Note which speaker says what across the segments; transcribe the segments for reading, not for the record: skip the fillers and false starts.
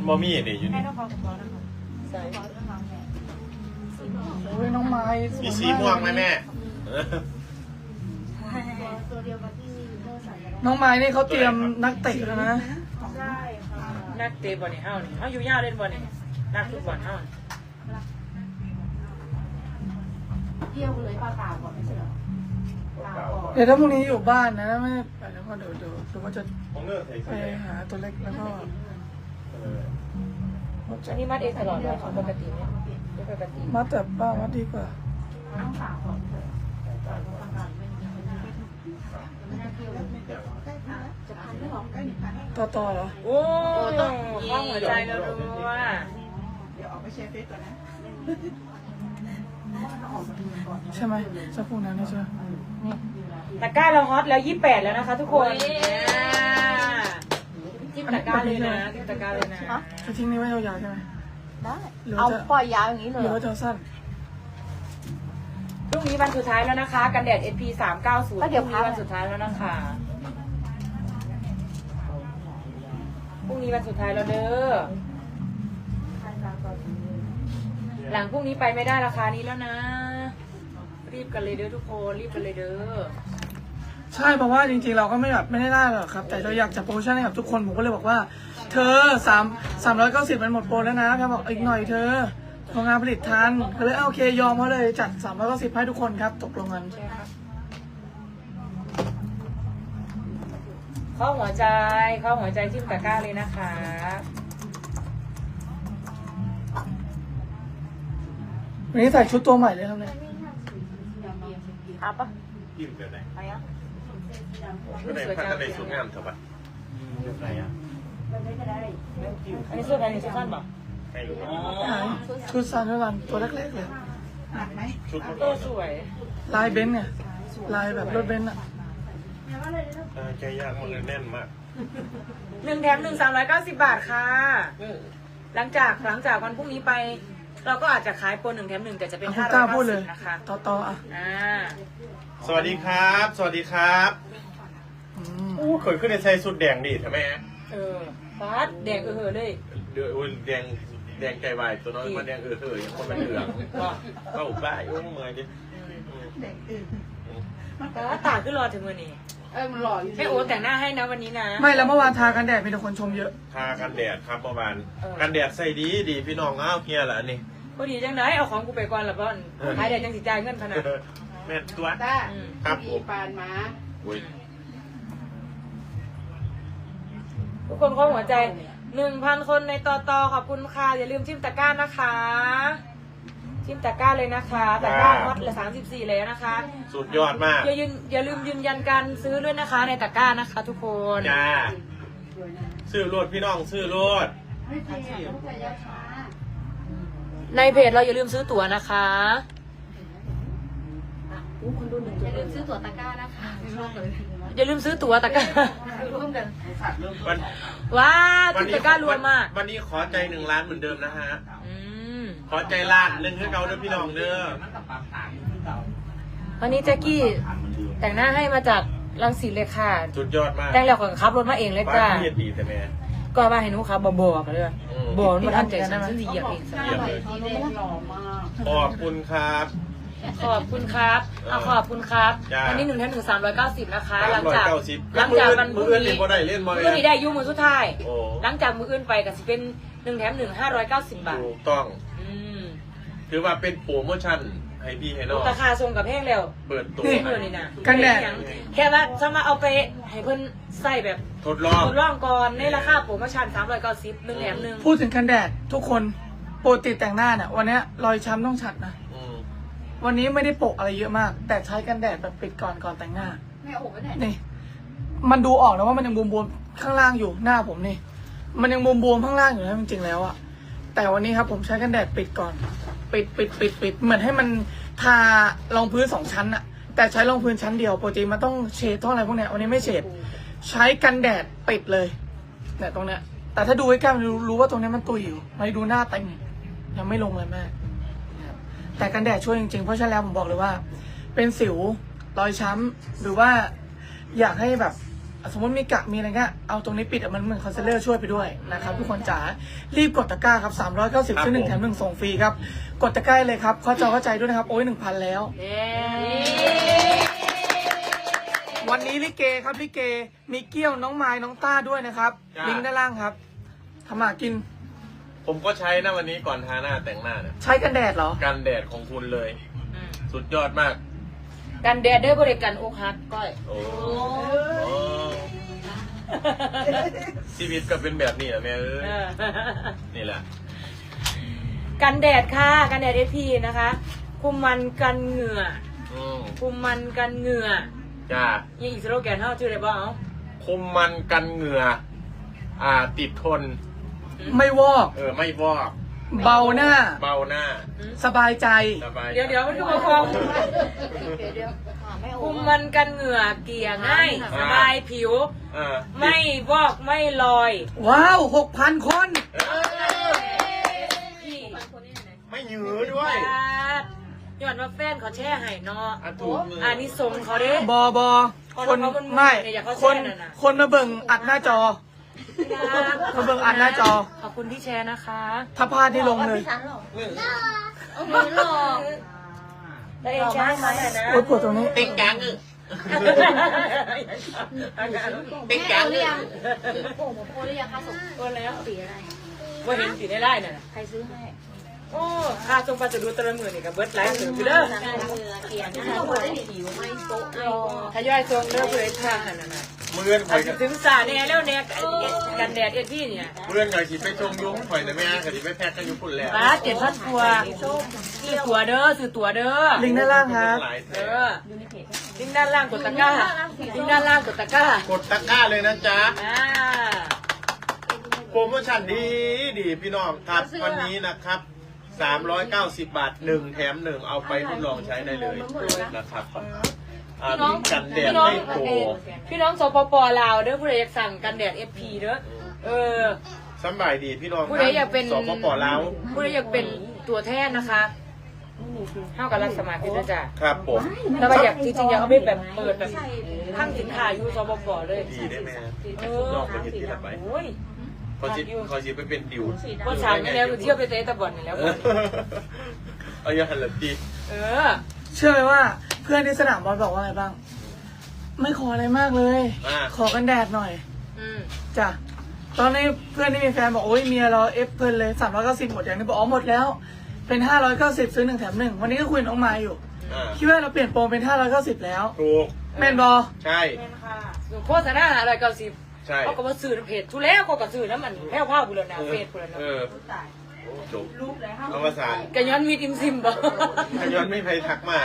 Speaker 1: บอมี่นี่อยู่
Speaker 2: ให้
Speaker 1: นี่
Speaker 2: น้องเขากับน้องนะคะ
Speaker 3: ใส่
Speaker 2: น้องน้องแม่
Speaker 4: โอ้ยน้องไม้สวย
Speaker 1: มีสีม่วงไหมแม่เออ
Speaker 2: ตัวเดียวกับที่เมื่อใส่กัน
Speaker 4: น้องไม้นี่เขาเตรียมนักเตะแล้วนะ
Speaker 2: ใช่ค่ะ
Speaker 3: นักเตะบอลนี่เฮ้านี่เฮ้าอยู่ยาวเล่นบอลนี่นักฟุตบอลเฮ้า
Speaker 2: เที่ยวเลยปลาเปล่าก่อนไม่ใช่เหรอปลาก่อน
Speaker 4: เดี๋ยวถ้าพรุ่งนี้อยู่บ้านนะไม่ไปแล้วก็เดี๋ยวว่าจะ
Speaker 1: ของเนื้อใส่
Speaker 4: ไป
Speaker 1: ใส่
Speaker 4: หาตัวเล็กแล้วก็
Speaker 3: อันนี้มัดเองตลอดเลยของปกติเนี่ยไม่ปกติ
Speaker 4: มัดแต่ป้ามัดดีกว่า
Speaker 2: ต้องสาวก่อนเถอะก่อนทำงานไม่น่าเที่ยวเลยจะพันไม่หรอก
Speaker 4: ต่อเหรอ
Speaker 3: โอ้ต้องข้องหัวใจแล้วรู้ว่า
Speaker 4: ใช่ไหมสักครู่นั้นนะใช่ไหม
Speaker 3: ตะกร้าเราฮอตแล้ว28แล้วนะคะ ทุกคนจิ้มตะกร้าเลยนะจิ้มตะกร้าเลยนะ
Speaker 4: จะทิ้งนี้ไว้ยาวๆใช่ไหม
Speaker 2: ได้
Speaker 4: หรือ
Speaker 2: เอา
Speaker 4: จะ
Speaker 2: ปล่อยยาวอย่างนี้เล
Speaker 4: ห
Speaker 2: ย
Speaker 4: รือว่าจะสั้น
Speaker 3: พรุ่งนี้วันสุดท้ายแล้วนะคะ กันแดด SP 390พรุ่งนี้วันสุดท้ายแล้วนะคะพรุ่งนี้วันสุดท้ายแล้วเด้อหลังพรุ่งนี้ไปไม่ได้ราคานี้แล้วนะ รีบกันเลยเด้อทุกคนรีบกันเลยเด้อ
Speaker 4: ใช่เพราะว่าจริงๆเราก็ไม่แบบไม่ได้หรอกครับ แต่เราอยากจะโปรโมชั่นให้กับทุกคนผมก็เลยบอกว่า เธอ390มันหมดโปรแล้วนะพี่บอกอีกหน่อยเธอโรงงานผลิตทันก็เลยโอเคยอมเขาเลยจัด390ให้ทุกคนครับตกลงกัน
Speaker 3: เข้าหัวใจจิ้มตะกร้าเลยนะคะ
Speaker 4: วันนี้ใส่ชุดตัวใหม่เลยครับเนี่ย
Speaker 3: เอาปะ
Speaker 1: ยิ้มแบบไหน
Speaker 3: ไปอ่ะ
Speaker 1: ก็ในพัฒนาสูงงามเถอะปะแบบไหนอ่ะ
Speaker 3: อันนี้เสื้อแบรนด์นี้สั้นป่ะ
Speaker 1: ให้รู้
Speaker 4: ไหนชุดซันด้วยกันตัวแรกๆเลย
Speaker 1: ชุดมัน
Speaker 3: เออสวย
Speaker 4: ลายเบนซ์เนี่ยลายแบบรถเบนซ์อะ
Speaker 1: ใจยากมันแน่นมาก
Speaker 3: 1 แถม 1 390 บาทค่ะ หลังจากวันพรุ่งนี้ไป เราก็อาจจะขายโปร1 แถม 1 แต่จะเป็น
Speaker 4: คุณกล้าพูดเลย
Speaker 3: 590นะคะ
Speaker 4: ต่ออ่ะ
Speaker 1: สวัสดีครับ สวัสดีครับ
Speaker 4: อืม
Speaker 1: อู้เคยขึ้นในใส่สุดแดงดิทำไมฮะ
Speaker 3: ฟาดแดงเลย
Speaker 1: เดือดแดงใจวายตัวน้อยมันแดงยังคนมันเหลืองก็อุบ้ายุ่งเมื่อยดิ
Speaker 3: ฟาดตาขึ้นรอถึงวันนี้
Speaker 2: มันหล่ออยู่
Speaker 3: ให้โอ๊ตแต่งหน้าให้นะวันนี้นะ
Speaker 4: ไม่แล้วเมื่อวานทากันแดดมีแต่คนชมเยอะ
Speaker 1: ทากันแดดครับประมาณกันแดดใส่ดีพี่น้องอ้าวเฮียเหรอนี่
Speaker 3: พอดีจังเลยเอาของกูไปก่อนละบ้านขายแดดจังสิจ่ายเงินขนาด
Speaker 1: แม่ตัว
Speaker 2: ได้
Speaker 1: ครับผม
Speaker 2: ปานมา
Speaker 1: อุ้ย
Speaker 3: ทุกคนข้อหัวใจ 1,000 คนในต่อขอบคุณค่ะอย่าลืมจิ้มตะกร้านะคะจิ้มตะกร้าเลยนะคะตะกร้าฮอตละ34แล้วนะคะ
Speaker 1: สุดยอดมาก
Speaker 3: อย่าลืมยืนยันการซื้อด้วยนะคะในตะกร้านะคะ ทุกคน
Speaker 1: จ้าซื้อรถพี่น้องซื้อรถ
Speaker 3: ในเพจเราอย่าลืมซื้อตั๋วนะคะ
Speaker 2: อย่าลืมซื้อตั๋วตะกร้านะคะร่วมเลย
Speaker 3: อย่าลืมซื้อตั๋วตะกร้า
Speaker 2: ร่วมกัน
Speaker 1: วัน
Speaker 3: ว้าวจิ้มตะกร้ารวมมาก
Speaker 1: วันนี้ขอใจ1 ล้านเหมือนเดิมนะฮะ
Speaker 3: อืม
Speaker 1: ขอใจล้านหนึ่งให้เขาเด้อพี่น้องเด้อ
Speaker 3: วันนี้แจ็คกี้แต่งหน้าให้มาจากรังสิตเลยค่ะ
Speaker 1: สุดยอดมาก
Speaker 3: แต่งแล้วก็ขับรถมาเองเลย
Speaker 1: บ้า
Speaker 3: จ้าน
Speaker 1: พี่เฮ็ดดีแต่แม่
Speaker 3: ก็มาให้หนูขับบอกกันเลย
Speaker 1: อืม
Speaker 3: บอกมาทันใจฉันฉันเหยียบเองซะ
Speaker 1: เยี่ยมเลย
Speaker 2: สีแดงหล่อมาก
Speaker 1: ขอบคุณครับ
Speaker 3: ขอบคุณครับขอบคุณครับ
Speaker 1: จ้า
Speaker 3: วันนี้1 แถม 1 390นะคะ หลังจาก
Speaker 1: 390
Speaker 3: วันพ
Speaker 1: มื
Speaker 3: รุ่
Speaker 1: อง อื่น
Speaker 3: นี้
Speaker 1: นี่บ่ได้เล่นบ่
Speaker 3: มื้
Speaker 1: เล
Speaker 3: อย นี้ได้อยูมือสุดท้าย
Speaker 1: โอ้
Speaker 3: หลังจากมืออื่นไปก็สิเป็น1 แถม 1 590 บาท
Speaker 1: ถูกต้อง
Speaker 3: อืม
Speaker 1: ถือว่าเป็นโปรโมชั่นให้พี่ให้น้อง
Speaker 3: ราคาทรงกับแพงแล้ว
Speaker 1: เปิดตัว
Speaker 3: เมื่อนี่นะ
Speaker 4: กันแดด
Speaker 3: แค่ว่าจะมาเอาไปให้เพิ่นใส่แบบ
Speaker 1: ทดลอง
Speaker 3: ทดลองก่อนในราคาโปรโมชั่น390 1 แถม 1
Speaker 4: พูดถึงกันแดดทุกคนโปรติดแต่งหน้าเนี่ยวันเนี้ยรอยช้ำต้องชัดนะ
Speaker 1: อืม
Speaker 4: วันนี้ไม่ได้โปะอะไรเยอะมาก แต่ใช้กันแดดแบบปิดก่อนแต่งหน้า
Speaker 2: แม่โอ้โหเนี่ย
Speaker 4: นี่ มันดูออกนะว่ามันยังบวมๆข้างล่างอยู่หน้าผมนี่ มันยังบวมๆข้างล่างอยู่นะจริงๆแล้วอะแต่วันนี้ครับผมใช้กันแดดปิดก่อน ปิดเหมือนให้มันทารองพื้น2 ชั้นอะแต่ใช้รองพื้นชั้นเดียวปกติมันต้องเฉดต้องอะไรพวกเนี้ยวันนี้ไม่เฉดใช้กันแดดปิดเลยเนี่ยตรงเนี้ย แต่ถ้าดูใกล้ๆมันรู้ว่าตรงเนี้ยมันตุยอยู่ไม่ดูหน้าเต็มยังไม่ลงเลยแม่นะครับแต่กันแดดช่วยจริงๆเพราะฉะนั้นแล้วผมบอกเลยว่า เป็นสิวรอยช้ำหรือว่าอยากให้แบบสมมติมีกะมีอะไรเงี้ยเอาตรงนี้ปิดมันเหมือนคอนซีลเลอร์ช่วยไปด้วยนะครับทุกคนจ๋ารีบกดตะกร้าครับ390ซื้อ1แถม1ส่งฟรีครับกดตะกร้าเลยครับเข้าใจด้วยนะครับโอ้ย 1,000 แล้ว
Speaker 3: เย้
Speaker 4: วันนี้ลิเกครับลิเกมีเกี้ยวน้องไม้น้องต้าด้วยนะครับลิงก์ด้านล่างครับทำมากิน
Speaker 1: ผมก็ใช้นะวันนี้ก่อนทาหน้าแต่งหน้าเนี่ย
Speaker 4: ใช้กันแดดเหรอ
Speaker 1: กันแดดของคุณเลย สุดยอดมาก
Speaker 3: กันแดดเด้อบริการอกหักก้อย
Speaker 1: โอ้ชีวิตก็เป็นแบบนี้แหละแม่เอ้ยนี่แหละ
Speaker 3: กันแดดค่ะกันแดด SP นะคะคุมมันกันเหงื่อ คุมมันกันเหงื่อ
Speaker 1: จ้า
Speaker 3: ยังอีกสโลแกนเท่าชื่ออะไรบ้าง
Speaker 1: คุมมันกันเหงื่อติดทน
Speaker 4: ไม่วอก
Speaker 1: ไม่วอก
Speaker 4: เบาหน้า
Speaker 1: เบาหน้า
Speaker 4: สบายใจ
Speaker 1: สบาย
Speaker 3: เดี๋ยวมันคือมาฟองคุมมันกันเหงื่อเกลี่ยง่ายสบายผิว ไม่วอกไม่ลอย
Speaker 4: ว้าว 6,000 คน
Speaker 3: พี่
Speaker 1: ไม่หยือด้วย
Speaker 3: ย้อนว่าแฟนเขาแช่ให้เนาะ
Speaker 1: ถูกมือ
Speaker 3: อันนี้ทรงเขาเด้
Speaker 4: บคนไม่
Speaker 3: อยากเขา
Speaker 4: ค
Speaker 3: แช่
Speaker 4: น
Speaker 3: นั่นน่ะ
Speaker 4: คนมาเบิ่งอัดหน้าจอ เขาเบิ่งอัดหน้าจอ
Speaker 3: ขอบคุณที่แชร์นะคะ
Speaker 4: ถ้าพลาดที่ลงเลย
Speaker 2: ไม่หรอก
Speaker 3: แล้วเองแชร์ให้มาหน่อยนะ
Speaker 4: โอ๊ยปวดตรงนี้
Speaker 1: เต็งกังเต็งกัง
Speaker 2: หรือยังโอ้โหโพหรือยังคะส่ง
Speaker 3: โอนแล้ว
Speaker 2: สีอะไร
Speaker 3: ว่าเห็นสีได้ไล่น่ะ
Speaker 2: ใครซื้อให้
Speaker 3: โอ้ค่าทรงปลาจะดูตะละหมื่นนี่กับเบิร์ดไลฟ์เสือไปเด้อ
Speaker 2: เขียนที่เราได้ผิวไม่โต๊ะรอ
Speaker 3: ทยอยทรงเด้อเพื่อทางนั่นน่ะ
Speaker 1: เมื่อน
Speaker 3: อาจจะถึงสาแน่แล้วแน่กันแดดเอ็ดพี่เนี่ย
Speaker 1: เมื่อนไงสิไปชมยุ้งข่อยแต่ไม่งั้นสิไปแพ็กกันยุ้งคุณแล้ว
Speaker 3: ป้า7,000ตัวซื้อตัวเด้อซื้อตัวเด้อ
Speaker 4: ลิงก์ด้านล่างครับ
Speaker 3: เออลิงก์ด้านล่างกดตะกร้าลิงก์ด้านล่างกดตะกร้าก
Speaker 1: ดตะกร้าเลยนะจ๊ะ
Speaker 3: อ่า
Speaker 1: โปรโมชั่นดีพี่น้องครับวันนี้นะครับ390 บาท1แถม1เอาไปทดลองใช้ได้เลยนะครับมีกันแดดไม่โปร
Speaker 3: พี่น้องสปปลาวเด้อผู้ใดอยากสั่งกันแดด FP เด้อเออ
Speaker 1: สบายดีพี่น้อง
Speaker 3: ผู้ใดอยากเป็น
Speaker 1: สปปลาว
Speaker 3: ผู้ใดอยากเป็นตัวแทนนะคะเท่ากับรับสมัครพี่ด้วยจ้ะ
Speaker 1: ครับผม
Speaker 3: แต่ว่าอยากจริงๆอยากเอาไปแบบเปิดแบบข้างสินค้าอยู่สปปเลย
Speaker 1: ดีได้ไหมฮะ
Speaker 3: เอ
Speaker 1: ล
Speaker 3: อ
Speaker 1: องไปเห็นที่ละไป
Speaker 3: โอ้ย
Speaker 1: เขาสิไปเป็นดิว
Speaker 3: ว่าสามนี่แล้วเที่ยวไปเตะตะบอลนี่แล้ว
Speaker 1: เอาอย่าหันหลังดี
Speaker 3: เออ
Speaker 4: เชื่อไหมว่าเพื่อนที่สนามบอลบอกว่าไงบ้าง ไม่ขออะไรมากเลย ขอกันแดดหน่อย
Speaker 3: อืม
Speaker 4: จ้ะตอนนี้เพื่อนที่มีแฟนบอกโอ้ยเมียเราเอฟเพลินเลย390หมดอย่างนี้บอกอ๋อหมดแล้ว เป็น590ซื้อ1แถม1วันนี้ก็คุยกับน้องมายอยู่คิดว่าเราเปลี่ยนโปรเป็น590แล้ว
Speaker 1: ถูก
Speaker 4: แมนบอ
Speaker 1: ใช่
Speaker 3: โฆษณาอะไร90
Speaker 1: ใช่
Speaker 3: เขาก็มาสื่อเพจทุแล้วเขาก็สื่อน้ำมันแพ้วผ้าบุรณาเพจบุรณา
Speaker 1: จบเอาภาษา
Speaker 3: กันย้อนมีดิมซิมบ่
Speaker 1: ขย้อนไม่ไปทักมาก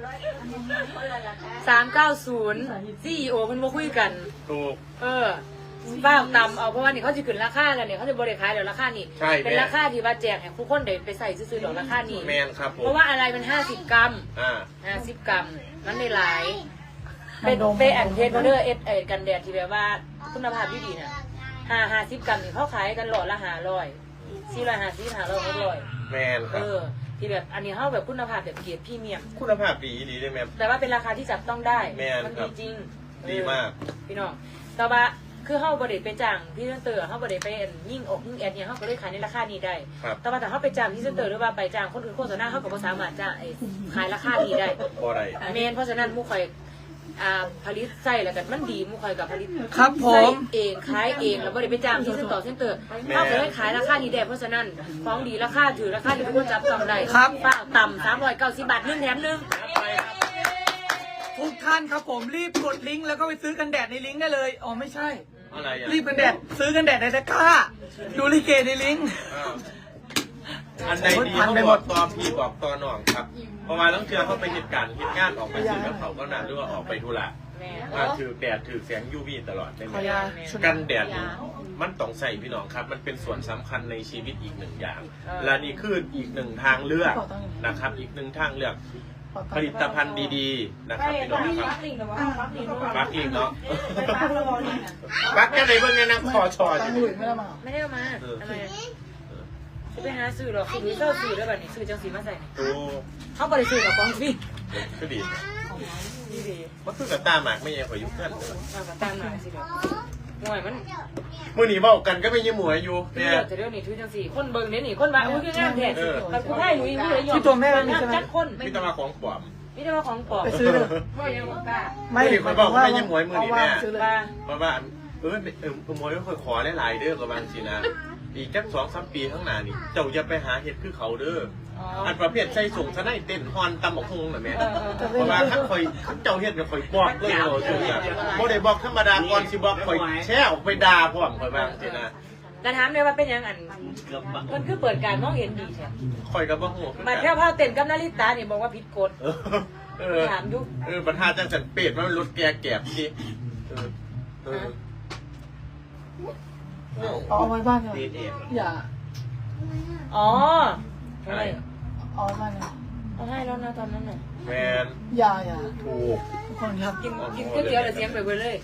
Speaker 3: 390 CEO เพิ่นบ่คุยกัน
Speaker 1: ถูก
Speaker 3: เออบ้างตำเอาเพราะว่านี่เขาจะขึ้นราคากันเนี่ยเขาจะบริขายเดี๋ยวราคานี่
Speaker 1: ใช่
Speaker 3: เป็นราคาที่ว่าแจกให้ทุกคนได้ไปใส่ซื้อๆเดี๋ยวราคานี่
Speaker 1: แมนครับผม
Speaker 3: เพราะว่าอะไรมัน50 กรัม
Speaker 1: อ่า
Speaker 3: 50 กรัมมันได้หลายเป็นอันเพจเขาเด้อกันแดดที่แบบว่าคุณภาพดีๆน่ะ50 กรัมนี่เขาขายกันหลอดละ500 450 500 600
Speaker 1: แมนค
Speaker 3: เอ
Speaker 1: รับ
Speaker 3: อที่แบบอันนี้เขาแบบคุณภาพแบบเกียรติพรีเมียม
Speaker 1: คุณภาพดีได้แมน
Speaker 3: แต่ว่าเป็นราคาที่จับต้องได้
Speaker 1: แม่น
Speaker 3: มัน
Speaker 1: ครั
Speaker 3: ดี
Speaker 1: บ
Speaker 3: จริง
Speaker 1: ดีมาก
Speaker 3: พี่น้องแต่ว่าคือเฮาบ่ได้ไปจ้างพี่เซนเตอร์เฮาบ่ได้ไปยิ่งอกยิ่งแอดเนี่ยเฮาก็เลยขายในราคานี้ได้
Speaker 1: ครับ
Speaker 3: แต่ว่าถ้าเฮาไปจ้างพี่เซนเตอร์หรือว่าไปจ้างคนอื่นโฆษณาเฮาก็บ่สามารถจ้างขายราคานี้ได้
Speaker 1: บ่ได้
Speaker 3: แม่นเพราะฉะนั้นหมู่ข่อยผลิตไส้แล้วกันมันดีหมู่ข่อยก็ผลิต
Speaker 4: ครับผ
Speaker 3: ไส้
Speaker 4: ม
Speaker 3: เองขายเองแล้วบ่ได้ไปจ้างพี่เซนเตอร์เฮาก็เลยขายราคานี้ได้เพราะฉะนั้นของดีราคาถือราคาที่ทุกคนจับต้องได้
Speaker 4: ครับ
Speaker 3: ฝ้าต่ำ390 บาท1แถม1
Speaker 4: ทุกท่านครับผมรีบกดลิงก์แล้วก็ไปซื้อกันแดดในลิงก์ได้เลยอ๋อไม่ใช่
Speaker 1: อะไรอ่ะ
Speaker 4: รีบกันแดดซื้อกันแดดในตะกร้าดูลิเกในลิงก์
Speaker 1: อันใดดีเขาบอกตอพี่บอกตอหน่องครับ เพราะว่าต้องเชื่อเขาไปเหตุการณ์เหตุงานออกไปซื้อกับเขาก็นานหรือว่าออกไปธุระ
Speaker 3: แม่
Speaker 1: ถือแดดถือแสง UV ตลอดได้ไห
Speaker 4: ข
Speaker 1: ม
Speaker 4: อยา
Speaker 1: กันแดดนี่มันต้องใส่พี่น้องครับ มันเป็นส่วนสำคัญในชีวิตอีกหนึ่งอย่าง และนี่คืออีกหนึ่งทางเลือกนะครับ อีกหนึ่งทางเลือก ผลิตภัณฑ์ดีๆนะครับพี่น้องครับปักลิงเนาะปักกันในเบื้องนี้นะคอชอ
Speaker 4: ตั
Speaker 1: อง
Speaker 4: ค์ห
Speaker 1: ยู่
Speaker 4: ลุยไม่ได้มา
Speaker 3: ไม่ได้เอามาทำไมจะไปหาซื้อหรอกซื้อเจ้าซื้อแล้วแบบนี้ซื้อจังสีมาใส่
Speaker 1: ดู
Speaker 3: เขาบริสุทธิ์กับของฟรี
Speaker 1: ก็ดี
Speaker 3: ดีดี
Speaker 1: มันคือกับตาหมากไม่ยังข่อยยุ่งกัน
Speaker 3: เอากับตามมาสิครับหน่อยมัน
Speaker 1: มื่อนี้บอกกันก็ไม่ยิ้มหมวยอยู่
Speaker 3: เดี๋
Speaker 1: เนี่ย
Speaker 3: ยวจะเรื่องนี้ทุกจังสี่คนเบิ่งเนี่ยนี่คนมาอุ้ยคืองานแท้แต่กูให้หนูยังไม่ได้ยอม
Speaker 4: ที่ตัวแม่มันมีใช่ไหม
Speaker 3: จัดคน
Speaker 1: พี่ตะมาของปลอม
Speaker 3: นี่จะมาของปลอม
Speaker 4: ไปซื้อเลย
Speaker 3: ว่ายังบ้า
Speaker 4: ไม่
Speaker 1: มื่อนี้คนบอกว่าไม่ยิ้มหมวยมือนี้แม่
Speaker 4: ซื้อเลย
Speaker 3: บ้า
Speaker 1: เพราะว่าหมวยก็เคยขอหลายๆเด้อกับบางสินะอีกจัก2-3 ปีข้างหน้านี่เจ้าจะไปหาเห็ดคือเขาเด้อ
Speaker 3: อ๋อ
Speaker 1: อันประเภทใส่ส่งซะได้เต้นฮอนตำบักฮงน่ะแม่
Speaker 3: เออ
Speaker 1: เพราะว่าถ้าข่อยเจ้าเฮ็ดกับข่อยบอกเลยโอ้ยบ่ได้บอกธรรมดาก่อนสิบอกข่อยแช่ออกไปด่าพร้อมข่อยบางสินะ
Speaker 3: แต่ถามเลยว่าเป็นยังอันมันคือเปิดการมองเห็นดีใช่
Speaker 1: ข่อยก็บ่ฮู้
Speaker 3: มาแค่ผ้าเต้นกับนาริตาเนี่ยบอกว่าผิดกฎ ถามดู
Speaker 1: ปัญหาจังสันเป็ดมันรถแก่สิเออ
Speaker 4: เอาไว้บ้านเลยอย่า
Speaker 3: อ๋อ
Speaker 1: ใช่
Speaker 4: เอาไว้บ้านเลย
Speaker 3: เอาให้แล้วนะตอนนั้นน่ะ
Speaker 1: แมน
Speaker 4: อย่า
Speaker 1: ถูก
Speaker 4: ทุกคนครับ
Speaker 3: กินก๋วยเตี๋ยวแต่เสียงไปเว้ยเลย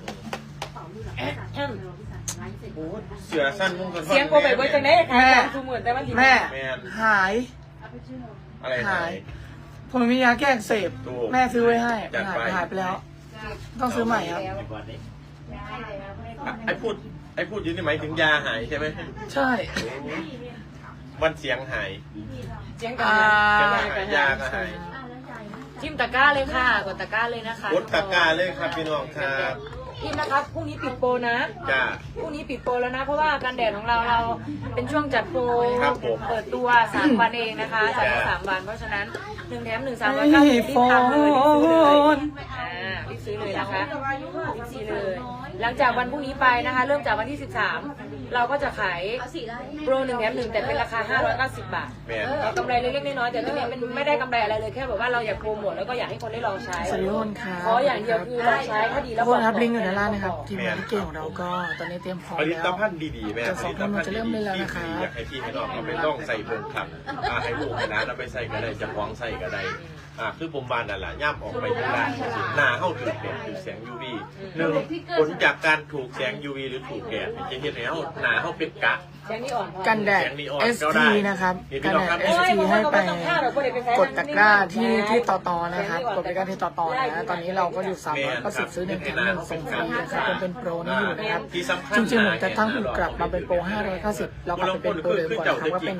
Speaker 3: อืม
Speaker 1: โอ้เสือสั้นมุ่งกัน
Speaker 3: เสียงโกไปเว้ยจังได้ค่ะคือเหมือนแต่มัน
Speaker 4: แม่
Speaker 1: แมน
Speaker 4: หาย
Speaker 1: อะไรหาย
Speaker 4: ผมมียาแก้อักเสบ
Speaker 1: ถูก
Speaker 4: แม่ซื้อไว้ให้
Speaker 1: จัดไป
Speaker 4: หายไปแล้ว ต้องซื้อใหม่ครับ
Speaker 1: ไอ้พูดอยืนนี่หมายถึงยาหายใช่ไหม
Speaker 4: ใช่
Speaker 1: วันเสียงหาย
Speaker 3: เสียงกัน
Speaker 1: ยาก็หาย
Speaker 3: จิ้มตะกร้าเลยค่ะกดตะกร้าเลยนะคะ
Speaker 1: กดตะกร้าเลยครับพี่น้องครับ
Speaker 3: พิมพ์นะครับพรุ่งนี้ปิดโปรนะ
Speaker 1: จ้า
Speaker 3: พรุ่งนี้ปิดโปรแล้วนะ เพราะว่ากันแดดของเราเป็นช่วงจัดโปร
Speaker 1: ครับผม
Speaker 3: เปิดตัว3 วันเองนะคะจัดมา3 วัน เพราะฉะนั้น1 แถม 1 390รีบ
Speaker 4: โฟ
Speaker 3: ทำเลยรีบซื้อเลย
Speaker 4: น
Speaker 3: รีบซื้อเลยนะคะรีบซื้อเลย หลังจากวันพรุ่งนี้ไปนะคะ เริ่มจากวันที่ 13 เราก็จะขายโปร1 แถม 1 แต่เป็นราคา 590 บาท
Speaker 1: แมน
Speaker 3: กำไรเล็กๆน้อยๆแต่ตรงนี้มันไม่ได้กำไรอะไรเลยแค่แบบว่าเราอยากโปรโมทแล้วก็อยากให้คนได้ลองใช้
Speaker 4: สวัสดีทุกคนครับ
Speaker 3: ขออย่างเดียวคือลองใช้ถ้าดี
Speaker 4: ทุ
Speaker 3: แล้
Speaker 4: ก
Speaker 3: ว
Speaker 4: คนครับลิงก์อยู่ด้านล่างนะครับ ทีมงานที่เก่งของเราก็ตอนนี้เตรียมพร้อม
Speaker 1: ผลิ
Speaker 4: แล้
Speaker 1: ต
Speaker 4: ว
Speaker 1: ภัณฑ์ดีๆแม่
Speaker 4: จะ
Speaker 1: ผ
Speaker 4: สอง
Speaker 1: ลิต
Speaker 4: คน
Speaker 1: ภัณฑ์
Speaker 4: จะเริ่มเลยแล้ว
Speaker 1: ดี
Speaker 4: นะคะ
Speaker 1: ๆอยากให้พี่ให้น้องเอาไปต้องใส่เบิ่งครับให้ลูกให้หลานเอาไปใส่ก็ได้จะฟ้องใส่ก็ได้คือผมบานนั่นแหละย่ำออกไปอยู่ร้านหน้าเข้าถูกแดดถูกแสง UV 1ผลจากการถูกแสง UV หรือถูกแดดจะเห็นแล้วหน้าเข้าเป็นกะ
Speaker 3: แสงนี่อ่อนพอ
Speaker 4: กันแดด ST นะครับ กันแดด ST ให้ไปกดตะกร้าที่ต่อนะครับ กดไปกันที่ต่อนะตอนนี้เราก็อยู่390ซื้อ1 แถม 1ส่งฟรีนะครับยังเป็นโปรนี้อยู่นะครับ
Speaker 1: ที่สำคัญ
Speaker 4: จริงๆผมจะตั้งถูกกลับมาเป็นโปร590แล้วกลับไปเป็นโปรเดิมก่อนนะครับก็เป็น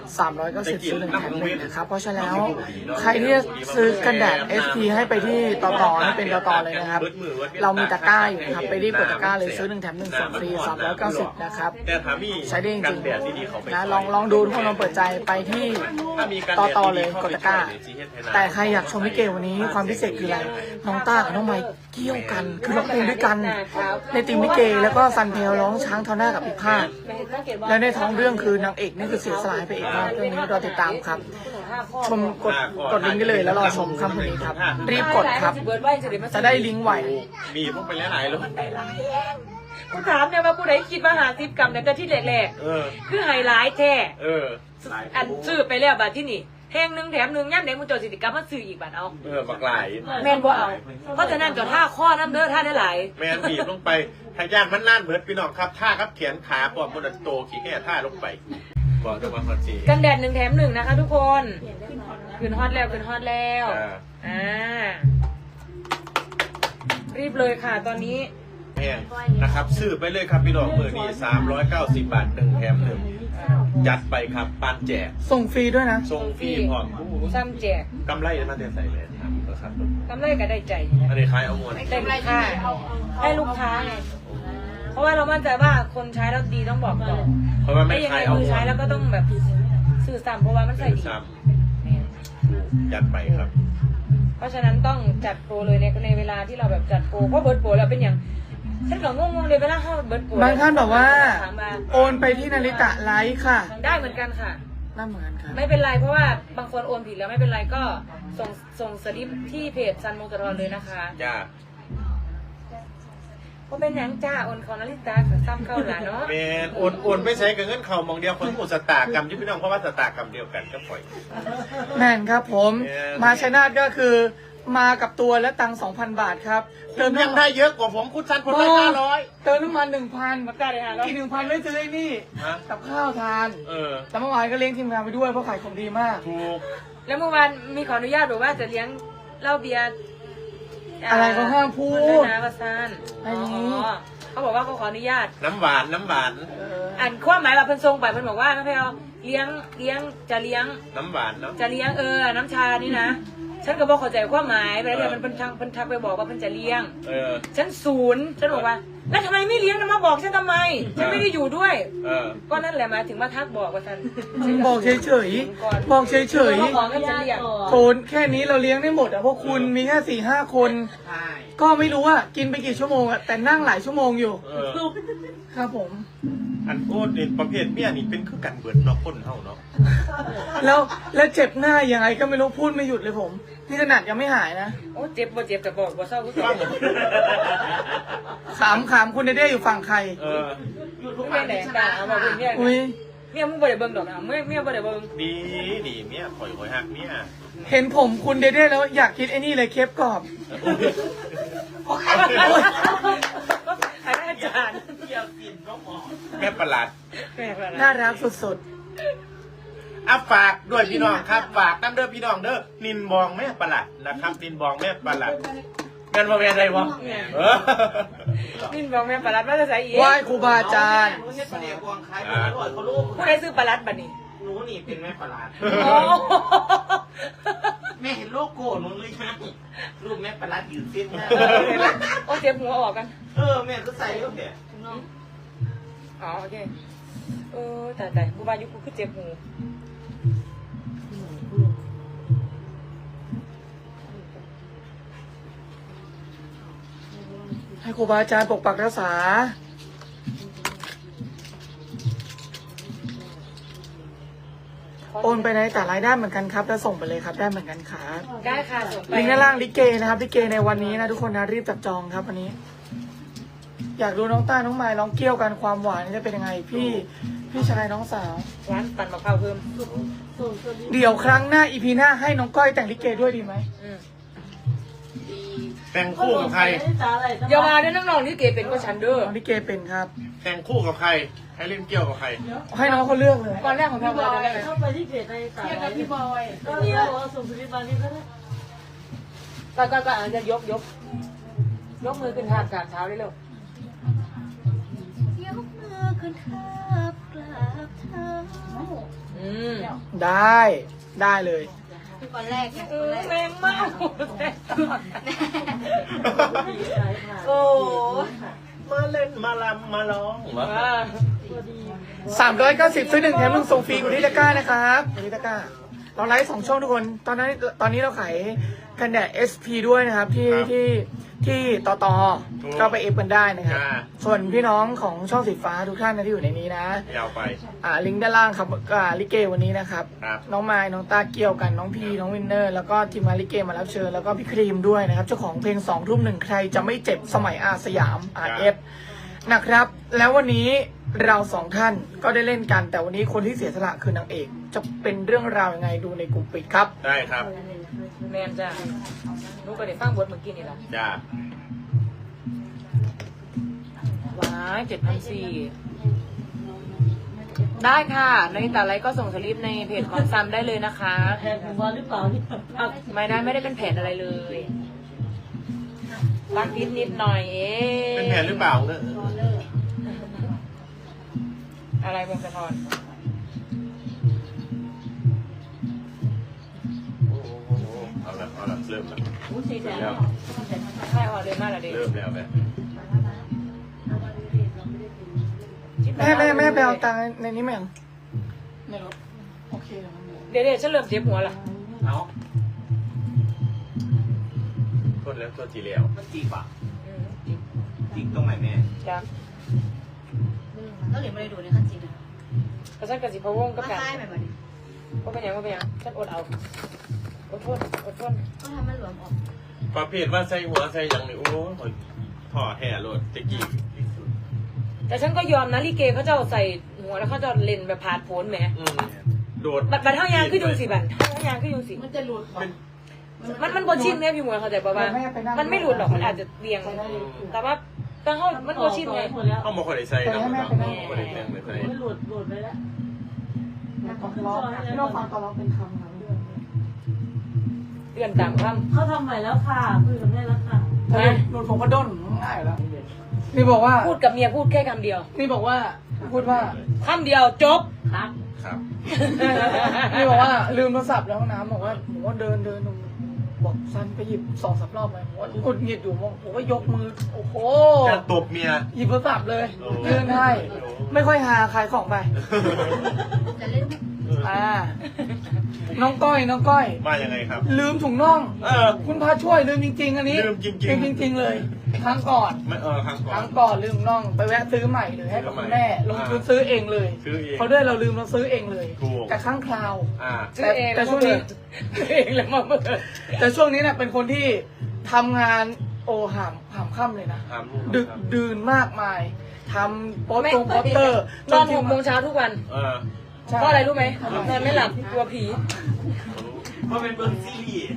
Speaker 4: 390ซื้อ1 แถม 1นะครับเพราะฉะนั้นแล้วใครที่จะซื้อกันแดด ST ให้ไปที่ต่อให้เป็นต่อเลยนะครับเรามีตะกร้าอยู่นะครับไปรีบกดตะกร้าเลยซื้อ1 แถม 1ส่งฟรี390นะครับ
Speaker 1: แต่ถ้ามี
Speaker 4: ใช้ได้จริง
Speaker 1: กันแดดดีๆเขาไป
Speaker 4: ๆนะลองดูทุกคนลองเปิดใจไปที่
Speaker 1: ถ้ามีกัน
Speaker 4: ต่อ
Speaker 1: แดด
Speaker 4: เลย
Speaker 1: ดีๆ
Speaker 4: กดตะกร้า แต่ใครอยากชมพี่เกวันนี้ความพิเศษคืออะไรน้องต้ากับน้องไมค์เกี่ยวกันคือร้องเพลงด้วยกัน ในทีมพี่เกแล้วก็ซันเพลร้องช้างเท่าหน้ากับพี่ภาคและในท้องเรื่องคือนางเอกนี่คือเสียสละให้พระเอกมากเรื่องนี้รอติดตามครับ ชมกดลิงก์ได้เลยแล้วรอชมค่ำคืนนี้ครับ รีบกดครับ จะได้ลิงก์ไว
Speaker 1: มีพวกไปหลายๆเลย
Speaker 3: กูถามเนี่ยว่าผู้ใดคิดว่าหาซิปกรรมเนี่ยแต่ที่แรก
Speaker 1: เออ
Speaker 3: ๆคือไฮไลท์แท้
Speaker 1: เออ
Speaker 3: อันซื้อไปแล้วบาทที่นี่แห้ง1 แถม 1ย่ำเด็กมึงจดสิทธิกรรมมาซื้ออีกบาทเอา
Speaker 1: บักหลาย
Speaker 3: แม่นบ่เอา เพราะฉะนั้นจด5 ข้อน้ำเด้อท่านได้หลาย
Speaker 1: แมนบีบลงไปทายานมันน่านเบิดพี่น้องครับท่าครับแขนขาปอมมันโตขี้แก่ท่าลงไปบอกจะมาคอนซี
Speaker 3: กันแดด1 แถม 1นะคะทุกคนขึ้นฮอตแล้วอ่ารีบเลยค่ะตอนนี้
Speaker 1: แม่นะครับซื้อไปเลยครับพี่น้องมือนี้390 บาท1 แถม 1จัดไปครับปานแจก
Speaker 4: ส่งฟรีด้วยนะ
Speaker 1: ทรงฟรีพร้อม
Speaker 3: ซ้ำแจก
Speaker 1: กำไรมาเดือนใส่เลยครับ
Speaker 3: กำไรก็ได้ใจ
Speaker 1: อันนี้ขายเอามวล
Speaker 3: ได้ลูกค้าให้ลูกค้าไงเพราะว่าเรามั่นใจว่าคนใช้แล้วดีต้องบอกต่อ
Speaker 1: เพราะว่าไม่
Speaker 3: ไม่ยัง
Speaker 1: ขา
Speaker 3: ไง
Speaker 1: ยเอา
Speaker 3: มื
Speaker 1: ม
Speaker 3: อ
Speaker 1: ว
Speaker 3: ใช้
Speaker 1: ล
Speaker 3: แล้วก็ต้องแบบสื่อซ้ำเพราะว่ามันใส่ดี
Speaker 1: ซ้ำจัดไปครับ
Speaker 3: เพราะฉะนั้นต้องจัดโปรเลยในเวลาที่เราแบบจัดโปรเพราะเบิร์ดโปรแล้วเป็นอย่างฉันก็งงๆเลยเวลาเข้าเบิร์ดโปร
Speaker 4: บางท่านบอกว่า
Speaker 3: ถมมา
Speaker 4: โอนไปที่นาริตะไลฟ์ค่ะ
Speaker 3: ได้เหมือนกันค่ะ
Speaker 4: น่าเหมือนครับ
Speaker 3: ไม่เป็นไรเพราะว่าบางคนโอนผิดแล้วไม่เป็นไรก็ส่งสลิปที่เพจซันมงคลเลยนะคะ
Speaker 1: จ้า
Speaker 3: ก็เป็นหยังจ้าโอนของนาริตาซ้ำเข้าหลานเนาะ
Speaker 1: แมนโอนไม่ใช้กับเงินเขามองเดียวคนหมดสตากรรมที่พี่น้องเพราะว่าสตากรรมเดียวกันก็ปล่อย
Speaker 4: แม่นครับผม
Speaker 1: แม่น
Speaker 4: มาชัยนาทก็คือมากับตัวและตังค์ 2,000 บาทครับ
Speaker 1: เติมยังได้เยอะกว่าผมคุณซันคนละ500
Speaker 4: เติมน้ำมัน 1,000
Speaker 3: มาได้เลยค่ะแล้ว
Speaker 4: อีก 1,000ไม่ซื้อไอ้นี่
Speaker 1: ฮะ
Speaker 4: กับข้าวทาน
Speaker 1: เออ
Speaker 4: แต่เมื่อวานก็เลี้ยงทีมงานไปด้วยเพราะขายของดีมาก
Speaker 1: ถูก
Speaker 3: แล้วเมื่อวานมีขออนุญาตบอกว่าจะเลี้ยงเหล้าเบียร์
Speaker 4: อะไรเขาห้ามพู
Speaker 3: คนด้วย
Speaker 4: ด
Speaker 3: นะประสาน
Speaker 4: อันนี้
Speaker 3: เขาบอกว่าเขาขออนุญาต
Speaker 1: น้ำหวานน้ำหวาน
Speaker 3: อ่านความหมายแบบเพิ่นทรงไปเพิ่นบอกว่าน้องแพลวเลี้ยงจะเลี้ยง
Speaker 1: น้ำหวานเนาะ
Speaker 3: จะเลี้ยงน้ำชานี่นะฉันก็บอกเข้าใจความหมายไปแล้วเดี๋ยวมันเพิ่นทักไปบอกว่าเพิ่นจะเลี้ยง ฉัน0ฉันบอกว่าแล้วทำไมไม่เลี้ยงนะมาบอกฉันทำไมฉันไม่ได้อยู่ด้วย ก็นั่นแหละหมายถึงมาทักบอกว่าฉัน
Speaker 4: บอกเฉยๆบอกเฉย
Speaker 3: เขาบอกว่าจะเลี้ยง
Speaker 4: ๆโทนแค่นี้เราเลี้ยงได้หมดอ่ะเพราะคุณมีแค่4-5 คน ก็ไม่รู้ว่ากินไปกี่ชั่วโมงอ่ะแต่นั่งหลายชั่วโมงอยู่ ครับผม
Speaker 1: อันโอ้เด็ดประเภทเมียนี่เป็นคือกันเบิดเนาะคนเฮาเนาะ
Speaker 4: แล้วเจ็บหน้ายังไงก็ไม่รู้พูดไม่หยุดเลยผมนี่ขนาดยังไม่หายนะ
Speaker 3: โอ้เจ็บบ่เจ็บแต่บอกบ่เศร้าก็เจ็บ
Speaker 4: ขำคุณเด้อยู่ฝั่งใคร
Speaker 3: ไม่แหลกด่าเอามาเป็นเมีย
Speaker 4: อุ้ย
Speaker 3: เมียมึงบ่ได้เบิ่งดอกนะเมียบ่ได้เบิ่ง
Speaker 1: ดีเมียข่อยหักเมีย
Speaker 4: เห็นผมคุณเด้แล้วอยากคิดไอ้นี่เลยเคปกรอบ
Speaker 3: อาจารย์
Speaker 1: แม่ประหลาด
Speaker 4: น่ารักสุด
Speaker 1: ฝากด้วยพี่น้องครับฝากน้ำเด้อพี่น้องเด้อนินบองแม่ประหลาดนะครับนินบองแม่ประหลาดแม่นบ่แม่นได้บ่
Speaker 3: นี่บอกแม่ปลารัดว่าจะใส่อีก
Speaker 4: ๆไหว้ครูบาอาจารย์
Speaker 5: ไม่ใช่ปลาเดียวกวางคล้ายปลาอร่อยเขาลูก
Speaker 3: ผู้ใดซื้อปลารัดบัดนี้
Speaker 5: หนูนี่เป็นแม่ปลาลาด
Speaker 3: โอ้
Speaker 5: แม่เห็นโลโก้หนูเลยนะรูปแม่ปลาลาดยืนเส้นหน้า
Speaker 3: โอ้เจ็บหัวออกกัน
Speaker 5: แม่ก็ใส่ก็แค่
Speaker 3: อ๋อโอเคแต่กูว่ายุคกูคือเจ็บหู
Speaker 4: ให้ครูบาอาจารย์ปกปักรักษาโอนไปในแต่รายได้เหมือนกันครับแล้วส่งไปเลยครับได้เหมือนกันครับ
Speaker 3: ได้ค่ะส่งไป
Speaker 4: ลิงก์ด้านล่างลิเกนะครับลิเกในวันนี้นะทุกคนนะรีบจับจองครับวันนี้ อยากดูน้องต้าน้องไม้ร้องเกี่ยวกันความหวานนี่จะเป็นยังไงพี่ชายน้องสาว
Speaker 3: ร้านปั่นมะพร้าวเพิ่ม
Speaker 4: เดี๋ยวครั้งหน้าอีพีหน้าให้น้องก้อยแต่งลิเกด้วยดีไหม
Speaker 1: แต่งคู่กับใคร
Speaker 3: อย่ามาด้วยน้องๆนี่เก๋เป็นกว่าฉันเด้อ
Speaker 4: น้องลิเกเป็นครับ
Speaker 1: แต่งคู่กับใครให้เล่นเกี่ยวกับใคร
Speaker 4: ให้น้องเขาเลือกเลย
Speaker 3: ก่อนแรกของพี่บอย
Speaker 2: เข้าไปที่เพจในสายกับพี่บอยก็เนี่ยส่งสลิปมานี่ก็ได้
Speaker 3: ก็จะยกมือขึ้นทาบกราบเท้าได้เร็วย
Speaker 2: กมือขึ้นทับกราบเท้า
Speaker 4: ได้เลย
Speaker 2: วันแรกไง
Speaker 3: แรงมาก โอ้
Speaker 1: มาเล่นมาลำมาร้อง
Speaker 4: 390ซื้อ1แถม1ส่งฟรีอยู่ที่ตะกร้านะครับอยู่ที่ตะกร้าเราไลฟ์2ช่องทุกคนตอนนี้เราขายกันแดด SP ด้วยนะครับที่ต่อก็ไปเอฟกันได้นะครับส่วนพี่น้องของช่องสีฟ้าทุกท่านนะที่อยู่ในนี้นะ
Speaker 1: ยาวไป
Speaker 4: ลิงก์ด้านล่างครับลิเกวันนี้นะครับ
Speaker 1: ครับ
Speaker 4: น้องไม้น้องตาเกี่ยวกันน้องพีน้องวินเนอร์แล้วก็ทีมงานลิเกมารับเชิญแล้วก็พี่ครีมด้วยนะครับเจ้าของเพลง2 ทุ่ม 1ใครจะไม่เจ็บสมัยอาสยาม RF นะครับแล้ววันนี้เรา2ท่านก็ได้เล่นกันแต่วันนี้คนที่เสียสละคือนางเอกจะเป็นเรื่องราวยังไงดูในกลุ่มปิดครับ
Speaker 1: ได้ครับ
Speaker 3: แมนจ้ะลูกก็ได้ฟังบทเมื่อกี้นี่แหละ
Speaker 1: จ้า
Speaker 3: ว้าย7,400ได้ค่ะในแต่ไรก็ส่งสลิปในเพจของซัมได้เลยนะคะ
Speaker 2: แทนผมว่าหรือเปล่าที่
Speaker 3: ไม่ได้เป็นแผนอะไรเลยรักนิดหน่อยเอง
Speaker 1: เป็นแผนหรือเปล่าเนี่ย
Speaker 3: อะไรวงสะท้อน
Speaker 1: เอาละเริ่มละ
Speaker 2: หูสีแสน
Speaker 1: แล้ว
Speaker 3: ใช่ออกเลยมากเลยเด็ก
Speaker 1: เริ่มแล้วแม่
Speaker 4: แม่ไปเอาตังค์ในนี้ไหมในรถโอเค
Speaker 3: เดี๋ยวฉันเริ่มเจ็บหัวละ
Speaker 5: เอา
Speaker 1: โทษแล้วโทษทีแล้ว
Speaker 5: มันจีบอ่ะจีบตรงไหนแม่
Speaker 3: จ้ะ
Speaker 2: ก็เหลือไม่ได้ดูในขั้นจริงนะ
Speaker 3: แล้วฉันกับสิพะวงกับ
Speaker 2: ก็
Speaker 3: กัน
Speaker 2: ใช่แบบนี้
Speaker 3: ก็เป็นยังฉันอดเอาอดทน
Speaker 2: ก็ทำมันหลวมออก
Speaker 1: ประเภทว่าใส่หัวใส่อย่างนี้โอ้ยถอดแห่โหลดตะกี้
Speaker 3: แต่ฉันก็ยอมนะลิเกเขาจะใส่หัวแล้วเขาจะเล่นแบบผาดโผนแหม
Speaker 1: โดด
Speaker 3: บัดเท่ายางขึ้นยุงสิบัดเท่ายางขึ้นยุงสิ
Speaker 2: มันจะหลุด
Speaker 3: มันบนชิ้นเนี่ยพี่หมวยเขาใจป่ะว่ามันไม่หลุดหรอกมันอาจจะเรียง แต่ว่าตั้งเขามันบนชิ้นไง
Speaker 1: เข้ามาคนไหนใส่เนาะคนไหนแต่งเลยใส่
Speaker 2: มันหลุดไปแล้ว
Speaker 4: พี่น้องฟังตอนเราเป็นคำนะ
Speaker 3: เดือนตามค
Speaker 2: เขาทำใหม่แล้วค่ะคุยกับแม่แล้วค่ะ
Speaker 3: ำ
Speaker 4: ถ้าหลุดผมก็ด้นง่ายแล้วนี่บอกว่า
Speaker 3: พูดกับเมียพูดแค่คำเดียว
Speaker 4: นี่บอกว่าพูดว่า
Speaker 3: คำเดียวจบ
Speaker 2: ครับ
Speaker 1: ครับ
Speaker 4: นี่บอกว่าลืมโทรศัพท์แล้วห้องน้ำบอกว่าผมว่าเดินบอกซันไปหยิบ2-3 รอบเลยผมว่ากดหงิดอยู่ผมก็ยกมือโอ้โห
Speaker 1: จะตบเมีย
Speaker 4: หยิบโทรศัพท์เลย
Speaker 1: โอ้
Speaker 4: ยื่นให้ไม่ค่อยหาขายของไป
Speaker 2: จะเล่น
Speaker 4: น้องก้อย
Speaker 1: ว่ายังไงครับ
Speaker 4: ลืมถุงน่อง
Speaker 1: อ
Speaker 4: คุณพาช่วยลืมจริงๆอันนี้
Speaker 1: ลืมจริงๆ
Speaker 4: ลืมจริง ๆ เลยครั้งก่อน
Speaker 1: ไม่ครั้งก่อ
Speaker 4: ครั้
Speaker 1: น
Speaker 4: งก่อนลืมน่องไปแวะซื้อใหม่เลยให้กับคุณแม่ลงทุน
Speaker 1: อ่า
Speaker 4: ซื้อเองเลย
Speaker 1: ซื้อเอง
Speaker 4: เขาด้วยเราลืมเราซื้อเองเลย
Speaker 1: ถูก
Speaker 4: แต่ครั้งคราว
Speaker 3: ซื้อเอง
Speaker 4: แต่ช่วงนี้
Speaker 3: ซื้อเองแล้วมาเบิด
Speaker 4: แต่ช่วงนี้เนี่ยเป็นคนที่ทำงานหามค่ำเลยนะ
Speaker 1: ถามลูก
Speaker 4: ดึก
Speaker 1: ครับ
Speaker 4: ดื่นมากมายทำโปส
Speaker 3: ไม่
Speaker 4: เตอร์
Speaker 3: นอน6 โมงเช้าทุกวัน
Speaker 4: ใช่
Speaker 3: เพราะอะไรรู้ไหมนอนไม่หลับกลัวผี
Speaker 5: เพราะเป็นเบิ้งซีรีส์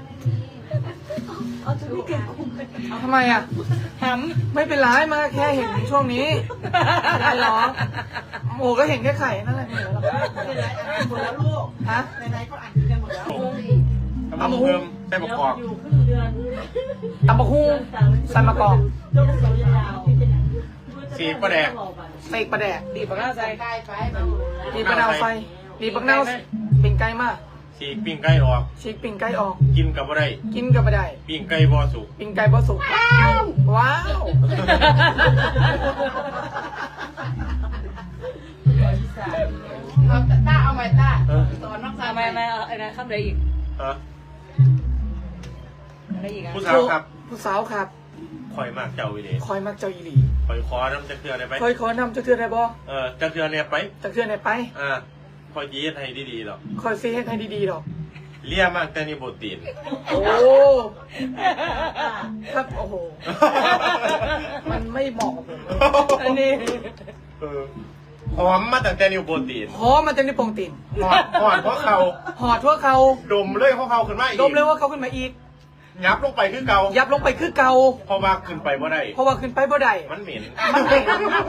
Speaker 4: ทำไมอ่ะ
Speaker 3: ห
Speaker 4: ไม่เป็นไรมาแค่เห็นช่วงนี้ไม่เป็นไรหรอกโอ้ก็เห็นแค่ไข่นั่นแหละไม่เหลือหรอก
Speaker 5: เป็นไรอ่านหมดแล้วลูก
Speaker 4: ฮะ
Speaker 5: ไหนๆก็อ่านกันหมดแล้ว
Speaker 1: ทำเพิ่มใส่ประกอบ
Speaker 4: ตำบักหุ่งใส่มะกอก
Speaker 1: สีประแดก
Speaker 4: เสกปลาแดก
Speaker 3: ำดีบปากหน้าใจ
Speaker 5: ใกล้ไปแบบ
Speaker 4: ดีปลาดาวไฟดีปักเน่าปิ่งไก่มาก
Speaker 1: สีปิ้งไก่ออก
Speaker 4: ฉีกปิ่งไก่ออก
Speaker 1: กินกับอะไร
Speaker 4: กินกับไม่ได้
Speaker 1: ปิ้งไก่บอสุก
Speaker 4: ปิ่งไก่บ่สุกว้าว
Speaker 5: เอาต้าเอาไหมต้าสอนน้องสาว
Speaker 3: ทำไมไม่เอาอะไรคำใดอีก
Speaker 1: ฮะ
Speaker 3: อะไรอีกอ่ะ
Speaker 1: ผู้สาวครับ
Speaker 4: ผู้สาวครับ
Speaker 1: คอยมากเจ้าวิเล
Speaker 4: คอยมักเจ้าอีหลี
Speaker 1: คอยขอน้ำจะเกลือได้ไหม
Speaker 4: คอยขอนำจะเทือนได้บ่
Speaker 1: จะเกลือเนี่ยไป
Speaker 4: จะเทือนไหนไป
Speaker 1: คอยยีดให้ดีๆหรอก
Speaker 4: คอยซีให้ดีๆดอก
Speaker 1: เลี่ยมากแต่นี่โปรตีน
Speaker 4: โอ้ครับโอ้โห มันไม่เหมาะกับผมเลยอันนี้
Speaker 1: หอมมาตั้งแต่นิวโปรตีน
Speaker 4: หอมมันจะได้โปร่งติ่น
Speaker 1: หอดเพราะเขา
Speaker 4: หอดทั่วเขา
Speaker 1: ดมเลยเพราะเขาขึ้นมาอีก
Speaker 4: ดมเลยว่าเขาขึ้นมาอีก
Speaker 1: ยับลงไปคือเก่า
Speaker 4: ยับลงไปคือเก่า
Speaker 1: เพราะว่าขึ้นไปบ่ได้
Speaker 4: เพราะว่าขึ้นไปบ่ได้
Speaker 1: มันเหม็น
Speaker 4: มันเหม็น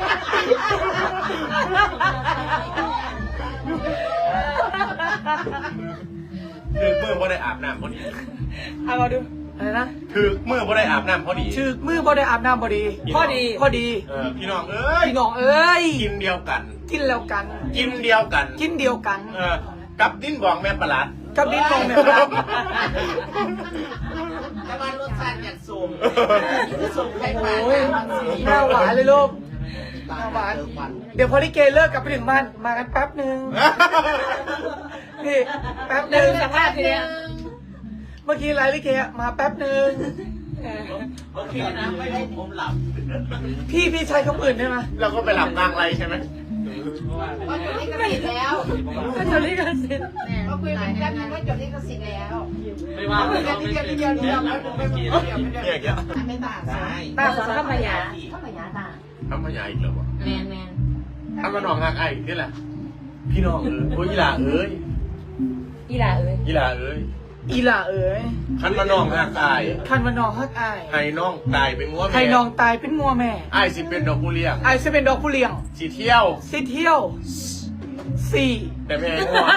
Speaker 1: คือเมื่อบ่ได้อาบน้ำพอดี
Speaker 3: เอามาดู
Speaker 4: อะไรนะ
Speaker 1: คือเมื่อบ่ได้อาบน้ำพอดี
Speaker 4: ชื่อมือบ่ได้อาบน้ำพอดี
Speaker 3: ข้อดี
Speaker 4: พอดี
Speaker 1: พี่น้องเอ้ย
Speaker 4: พี่น้องเอ้ย
Speaker 1: กินเดียวกัน
Speaker 4: กินแล้วกัน
Speaker 1: กินเดียวกัน
Speaker 4: กินเดียวกัน
Speaker 1: กับดิ้นบองแม่ประหลัด
Speaker 4: กับดิ้นมองแบบนั้น
Speaker 5: แต่ว่ารสชาติอย่างสูงสูงใครผ่าน
Speaker 4: โอ้ยหน้าหวานเลยลูกหน้าหวาน เดี๋ยวพอลิเกเลิกกลับไปถึงบ้านมากันแป๊บหนึ่งนี่แป๊บห
Speaker 3: แล้ว
Speaker 4: นึ่ง
Speaker 3: ดูสภาพทีเนี้ย
Speaker 4: เมื่อกี้ไลฟ์ลิเกมาแป๊บหนึ่ง
Speaker 5: โอเคนะไม่ได้ผมหลับ
Speaker 4: พี่ใช้คำอื่นได้ไหม
Speaker 1: เราก็ไปหลับกลางไรใช่ไหม
Speaker 2: ว่าจดลิขสิทธิ์แล้ว
Speaker 3: ก็จะเรียกกันสิ
Speaker 2: ก็คุยกันกันว่าจดลิขสิทธิ์แล้ว
Speaker 5: ไม่ว่าไม่ว่าไม่เกี่ยวไม่เกี่ยวไม่เกี่ยวไม่เกี่ยวไม่เกี่ยวไม่ต่างใช่
Speaker 3: ตาสอนข้ามายา
Speaker 2: เข้ามาหยาตา
Speaker 1: ทำมาใหญ่อีกแล้ววะ
Speaker 2: แมนแมน
Speaker 1: ทำมาหนองหักไอ้นี่แหละ พี่น้องโอ้ยอีหล่าเอ้ย
Speaker 3: อีหลาเอ้ย
Speaker 1: อีหล่าเอ้ย
Speaker 4: อีหล่าเอ๋ย
Speaker 1: ขันมาน้องหักอาย
Speaker 4: คันวันนองฮักอาย
Speaker 1: ให้น้องตายเป็นงัวแม่
Speaker 4: ให้น้องตายเป็นงัวแม่
Speaker 1: ไอ้ายสิเป็นดอกผู้เลี้ยง
Speaker 4: ไอจะเป็นดอกผู้เลี้ยง
Speaker 1: สิเที่ยว
Speaker 4: สิเที่ยวสี่
Speaker 1: แต่ไม่ให้งัว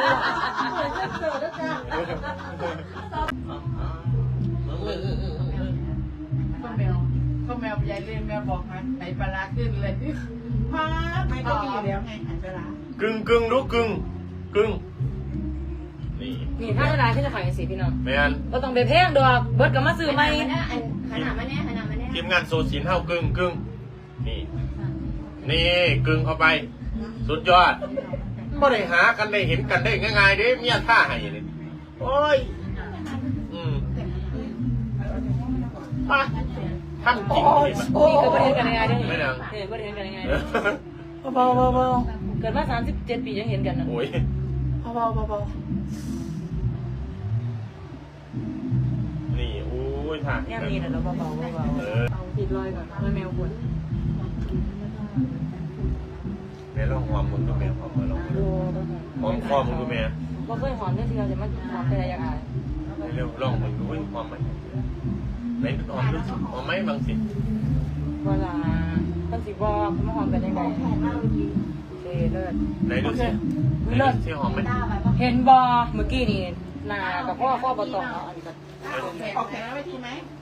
Speaker 5: ก็แมวยายเล่นแมวบอกมันไหนปลาขึ้นเลยพาไม่ก็ดีแล้วไงหันปลาก
Speaker 1: ึ่งลูกกึ่งนี่
Speaker 3: นี่ถ้าเวลาที่จะขายกันสิพี่น้อง
Speaker 1: แม่น
Speaker 3: ก็ต้องไปแพงดอกเบิร์ดกับมาซื้อไหม
Speaker 2: ขนาดมาเนี่ยขนาดมาเนี่ย
Speaker 1: ทีมงานโซชินเท่ากึ่งนี่กึ่งเข้าไป สุดยอดไม่ได้หากันได้เห็นกันได้ง่ายๆเด้เมียท่าให้นี่โอ้ยมาทำจริงดิมัน
Speaker 4: โอ้
Speaker 3: นี่เกิดประเทศกันยังไงได้
Speaker 1: ไม่ดัง
Speaker 3: เกิดประเทศกันยังไง
Speaker 4: เบาเบา
Speaker 3: เกิดมา37 ปียังเห็นกันนะ
Speaker 1: โอ้ย
Speaker 4: เบาเบา
Speaker 1: นี่โอ้ยท่า
Speaker 3: แง่นี้นะเราเบาปิดรอยก่อนไม่แมวควร
Speaker 1: แม่ลองหอมมึงดูแม่หอมมาลองหอมคอมึงดูแม่
Speaker 3: ว่าเคยหอมได้ทีเราจะมาหอมไปอะไรอย่างไร
Speaker 1: เร็วลองมึงดูหอมไหมไหนหอมดูสิหอมไหมบางสิ
Speaker 3: เวลาคนสิบอกเขามาหอมกันยังไงเลิศ
Speaker 1: ไหนดูสิไหนดูสิหอมไหม
Speaker 3: เห็นบอเมื่อกี้นี่นากับพ่อปตองเอาอันนี้ก็
Speaker 5: ออกแขนไว้ทีไหม